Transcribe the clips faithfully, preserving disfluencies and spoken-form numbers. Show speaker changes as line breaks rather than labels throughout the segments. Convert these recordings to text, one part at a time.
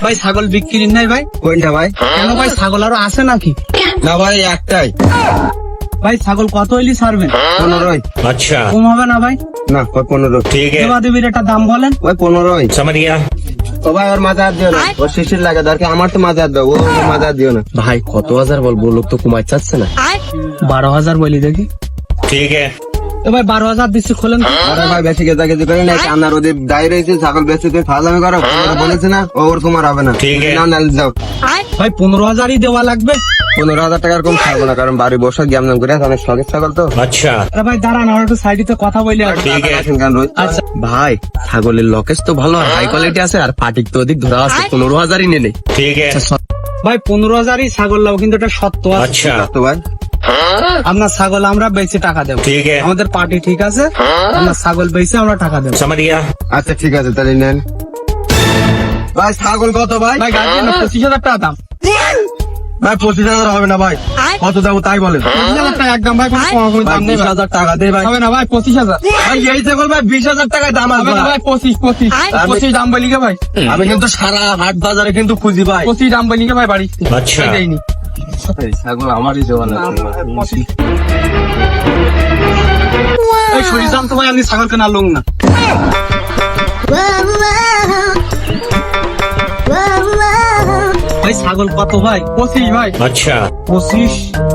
ভাই ছাগল বিক্রি নাই ভাই?
কোনটা ভাই?
কেন ভাই, ছাগল আরো আছে নাকি?
না ভাই, একটাই।
ভাই ছাগল কত হইলি ছাড়বেন?
পনেরোই।
अच्छा
কম হবে না ভাই?
না ওই পনেরো।
ठीक है
দেবা দেবীর একটা দাম বলেন।
ওই পনেরোই।
समझ गया।
ও ভাই ওর মাঝে হাত দিও না, ওর শিশির লাগে দরকার, আমার তো মাঝে হাত দাও, ও মাঝে হাত দিও না।
ভাই কত হাজার বলবো, লোক তো কমাই চাচ্ছে না।
বারো হাজার বলি দেখি।
ठीक है
তো ভাই বারো হাজার দিচ্ছি, খোলেন তো।
আরে ভাই বেশি গেজা গেজি করে না, আপনার ওদের দায় রয়েছে ছাগল বেশি তুমি ফাজলামি করো, পনেরো বলেছে না, ও ওর তোমার হবে না।
ঠিক আছে।
নাও নাল যাও।
ভাই পনেরো হাজারই দেওয়া লাগবে।
পনেরো হাজার টাকার কম খাবো না, কারণ বাড়ি বসে জ্ঞান করে অনেক শখের ছাগল তো।
अच्छा
আরে ভাই দাঁড়ান, আমার একটু সাইডে কথা বলি।
ठीक है
আসেন কেন রোজ?
আচ্ছা
ভাই ছাগলের লকেজ তো ভালো আর হাই কোয়ালিটি আছে, আর পাটিক তো অধিক ধরা আছে, পনেরো হাজারই নেই।
ठीक है
ভাই পনেরো হাজারই ছাগল লাও, কিন্তু এটা সত্য আছে।
अच्छा
তো ভাই
আপনার ছাগল আমরা বেচে টাকা দেবো।
ठीक है
আমাদের পার্টি ঠিক আছে, আপনার ছাগল বেচে আমরা টাকা দেবো।
समझ गया।
আচ্ছা ঠিক আছে তাহলে নেন। ভাই ছাগল কত ভাই?
ভাই গাড়ি না পঁচিশ হাজার টাকা দাম।
ভাই পঁচিশ হাজার হবে না ভাই, কত যাবো তাই বলেন।
পঁচিশ হাজার টাকা একদম ভাই, কোনো কমাকমি
ভাই
দাম নেই
বিশ
ভাই।
হাজার টাকা দে ভাই।
হবে না ভাই, পঁচিশ হাজার।
ভাই এই ছাগল ভাই বিশ হাজার টাকায় দাম
হবে না
আসবে
ভাই, পঁচিশ পঁচিশ
আমি-
পঁচিশ দাম বলি গে ভাই,
আমি কিন্তু সারা হাট বাজারে কিন্তু খুঁজি ভাই।
পঁচিশ দাম বলি গে ভাই বাড়ি।
अच्छा
ভাই দেয়নি।
ছাগল আমারই দেওয়া
এই শরীর দাম তো ভাই আপনি ছাগল কেনা লোক না। ভাই ছাগল কত ভাই? পঁচিশ ভাই।
अच्छा
পঁচিশ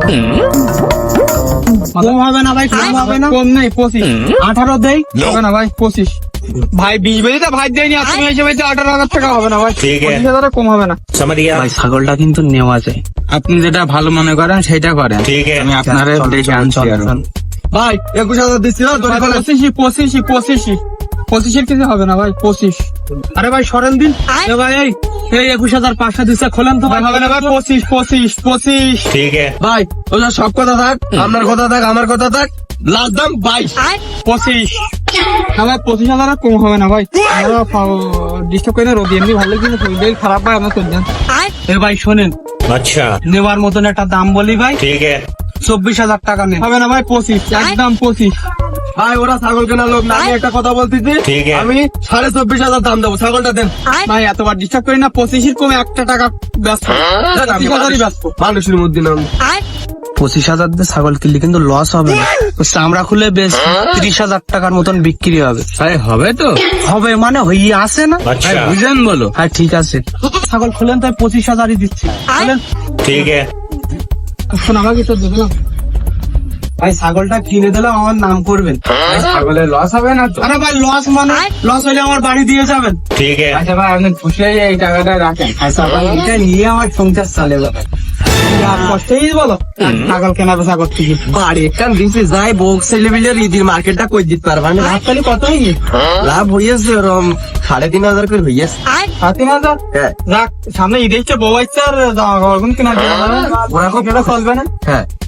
কম হবে না ভাই? কম হবে না? কম নেই, পঁচিশ। আঠারো দেই? হবে না ভাই, পঁচিশ। ভাই বিশ বেজে তো ভাই দেয়নি, আর তুমি হিসেবে আঠারো হাজার টাকা হবে না ভাই।
ঠিক আছে।
পঁচিশ হাজারে কম হবে না।
समझ गया।
ভাই ছাগলটা কিন্তু নেওয়া যায়,
আপনি যেটা ভালো মনে করেন সেটা করেন,
ठीक है
আমি আপনারে দেখে আনছি আর
ভাই
একুশ হাজার দিচ্ছি না তোর ফলে।
পঁচিশি পঁচিশি পঁচিশি পঁচিশের কিছু হবে না ভাই, পঁচিশ। আরে ভাই সরেন দিন। এ ভাই এই এই একুশ হাজার পাঁচশো দিচ্ছে, খোলেন তো ভাই। হবে না ভাই, পঁচিশ পঁচিশ পঁচিশ।
ठीक है
ভাই ওটা সব কথা থাক, আপনার কথা থাক, আমার কথা থাক, লাস্ট দাম বাইশ।
পঁচিশ। না ভাই পঁচিশ হাজার আর কম হবে না ভাই, ডিস্টার্ব করে না। রোদি এমনি ভালো কিন্তু শরীর খারাপ ভাই, আপনার চলছেন। এ ভাই শোনেন,
अच्छा
নেওয়ার মতন একটা দাম বলি ভাই,
ठीक है
চব্বিশ হাজার টাকা নেন। হবে না ভাই, পঁচিশ একদম পঁচিশ।
ভাই ওরা ছাগল কেনার লোক না, আমি একটা কথা বলতেছি,
ঠিক আছে।
আমি সাড়ে চব্বিশ হাজার দাম দেবো, ছাগলটা দেন।
ভাই এতবার ডিস্টার্ব করি না, পঁচিশের কমে একটা টাকা ব্যস্ত।
দেন, আমি
পঁচিশ হাজারই ব্যস্ত।
মানুষের মধ্যে নাম
পঁচিশ হাজার দিয়ে ছাগল কিনলে কিন্তু লস হবে না, চামড়া খুলে বেশ ত্রিশ হাজার টাকার মতন বিক্রি হবে।
ভাই হবে তো?
হবে মানে হইয়ে আসে না?
अच्छा
বুঝেন বলো।
হ্যাঁ ঠিক আছে, ছাগল খুলেন তাই পঁচিশ হাজারই দিচ্ছি। খুলেন।
ठीक है
শোন আমাকে তো দেবে না ভাই, ছাগলটা কিনে দিলে আমার নাম করবেন।
ভাই, ছাগলের লস হবে না তো?
আরে ভাই লস মানে লস হলে আমার বাড়ি দিয়ে যাবেন।
ठीक है
আচ্ছা ভাই আপনি খুশি হয়ে এই টাকাটা রাখেন।
আচ্ছা ভাই এটা নিয়ে আমার সংসার চালে যাবে। কষ্টেই বলো ছাগল কেনা বেচা করতে গিয়ে।
বাড়ি একটা দিচ্ছে যাই বউ ছেলে মিলে ঈদের মার্কেটটা করে দিতে পারবা না।
লাভ তাহলে কত হয়ে
লাভ হইয়াছে ওরম সাড়ে তিন হাজার করে হইয়াছে।
সাড়ে তিন হাজার?
হ্যাঁ
যাক সামনে ঈদ এসছে, বউ আসছে, আর জামা কাপড় কিনা দিয়ে দেবে। ওরা কেনা চলবে না।
হ্যাঁ